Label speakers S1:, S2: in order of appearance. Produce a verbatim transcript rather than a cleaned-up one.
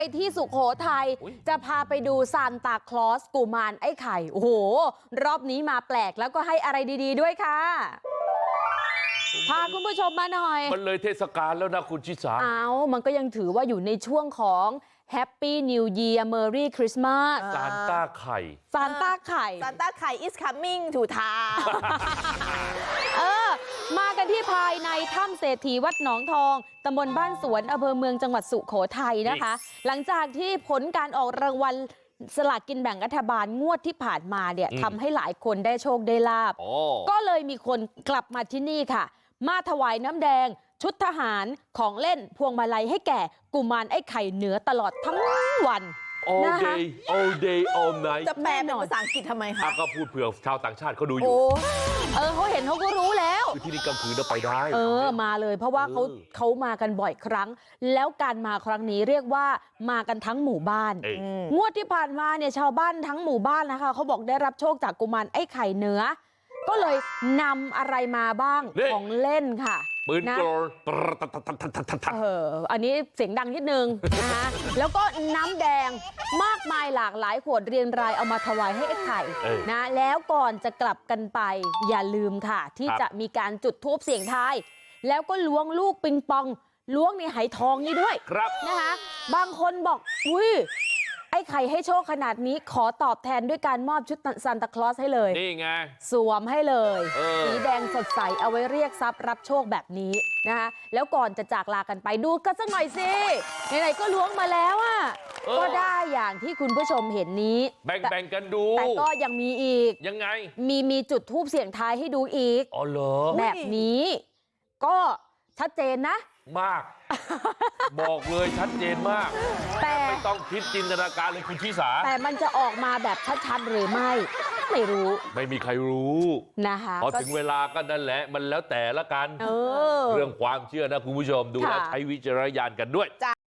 S1: ไปที่สุโขทัยจะพาไปดูซานตาคลอสกุมารไอ้ไข่โอ้โหรอบนี้มาแปลกแล้วก็ให้อะไรดีๆด้วยค่ะพาคุณผู้ชมมาหน่อย
S2: มันเลยเทศกาลแล้วนะคุณชิสา
S1: อ้าวมันก็ยังถือว่าอยู่ในช่วงของ Happy New Year Merry Christmas
S2: ซานต้าไข่
S1: ซานต้าไข่
S3: ซานต้าไข่ is coming to town
S1: เออมากันที่ภายในถ้ำเศรษฐีวัดหนองทองตำบลบ้านสวนอำเภอเมืองจังหวัดสุโขทัยนะคะหลังจากที่ผลการออกรางวัลสลากกินแบ่งรัฐบาลงวดที่ผ่านมาเนี่ยทำให้หลายคนได้โชคได้ลาบก็เลยมีคนกลับมาที่นี่ค่ะมาถวายน้ำแดงชุดทหารของเล่นพวงมาลัยให้แก่กุมารไอ้ไข่เหนือตลอดทั้งวัน
S2: all day all day all night
S3: จะแปลเป็นภาษาอังกฤษทำไมคะ
S2: ก็พูดเผื่อชาวต่างชาติเขาดูอยู่
S1: เออเขาเห็นเขาก็รู้แล้ว
S2: คือที่นี่กลางคืนเราไปได้
S1: เออมาเลยเพราะว่าเขาเขามากันบ่อยครั้งแล้วการมาครั้งนี้เรียกว่ามากันทั้งหมู่บ้านงวดที่ผ่านมาเนี่ยชาวบ้านทั้งหมู่บ้านนะคะเขาบอกได้รับโชคจากกุมารไอ้ไข่เหนือก็เลยนำอะไรมาบ้างของเล่นค่ะ
S2: ปืนกล
S1: เอออันนี้เสียงดังนิดนึงนะคะแล้วก็น้ำแดงมากมายหลากหลายขวดเรียงรายเอามาถวายให้ไอ้ไข่นะแล้วก่อนจะกลับกันไปอย่าลืมค่ะที่จะมีการจุดธูปเสียงทายแล้วก็ล้วงลูกปิงปองล้วงในไหทองนี่ด้วยนะคะบางคนบอกอุ้ยไอ้ไข่ให้โชคขนาดนี้ขอตอบแทนด้วยการมอบชุดซานตาคลอสให้เลย
S2: นี่ไง
S1: สวมให้เลยสีแดงสดใสเอาไว้เรียกทรัพย์รับโชคแบบนี้นะคะแล้วก่อนจะจากลากันไปดูกันสักหน่อยสิไหนๆก็ล้วงมาแล้วอ่ะก็ได้อย่างที่คุณผู้ชมเห็นนี้
S2: แบ่งๆกันดู
S1: แต่ก็ยังมีอีก
S2: ยังไง
S1: มีมีจุดธูปเสียงทายให้ดูอีก
S2: อ๋อเหรอ
S1: แบบนี้ก็ชัดเจนนะ
S2: มากบอกเลยชัดเจนมากแต่ไม่ต้องคิดจินตนาการเลยคุณชิสา
S1: แต่มันจะออกมาแบบชัดๆหรือไม่ไม่รู้
S2: ไม่มีใครรู้
S1: นะคะ
S2: พอถึงเวลาก็นั่นแหละมันแล้วแต่ละกัน
S1: เออ
S2: เรื่องความเชื่อนะคุณผู้ชมดูแล้วใช้วิจารณญาณกันด้วย